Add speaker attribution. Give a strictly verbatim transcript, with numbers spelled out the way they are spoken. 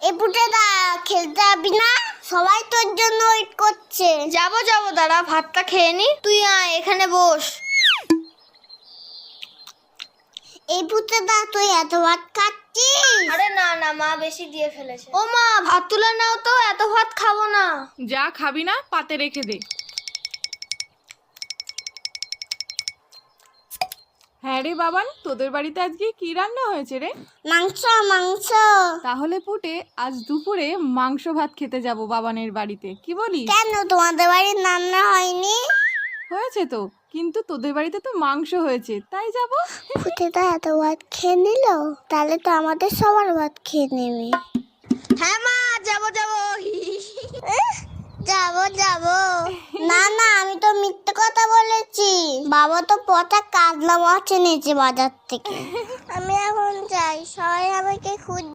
Speaker 1: এই পুটেদা খেলতে যাবি না? সবাই তোর জন্য ওয়েট করছে।
Speaker 2: যাবো যাবো, দাঁড়া ভাতটা খেয়ে নি। তুই আয় এখানে বস।
Speaker 1: এই পুটেদা তুই এত ভাত খাচ্ছিস?
Speaker 2: আরে না না, মা বেশি দিয়ে ফেলেছে। ও মা, ভাত তুলে নাও তো, এত ভাত খাবো না।
Speaker 3: যা খাবি না পাতে রেখে দে। হ্যাঁ রে বাবান, তোদের বাড়িতে আজকে কি রান্না হয়েছে রে?
Speaker 1: মাংস মাংস।
Speaker 3: তাহলে পুটে আজ দুপুরে মাংস ভাত খেতে যাব বাবানের বাড়িতে, কি বলিস?
Speaker 1: কেন তোমাদের বাড়ির রান্না হয়নি?
Speaker 3: হয়েছে তো, কিন্তু তোদের বাড়িতে তো মাংস হয়েছে, তাই যাব।
Speaker 1: পুটেদা এত ভাত খেয়ে নিল, তাহলে তো আমাদের সবার ভাত খেয়ে নেবে।
Speaker 2: হ্যাঁ মা, যাবো যাবো।
Speaker 1: যাবো যাবো। না না, আমি তো মিথ্যে কথা বলেছি। বাবা তো পচা কাজলা মাছ এনেছে বাজার থেকে। আমি এখন যাই, সবাই আমাকে খুঁজ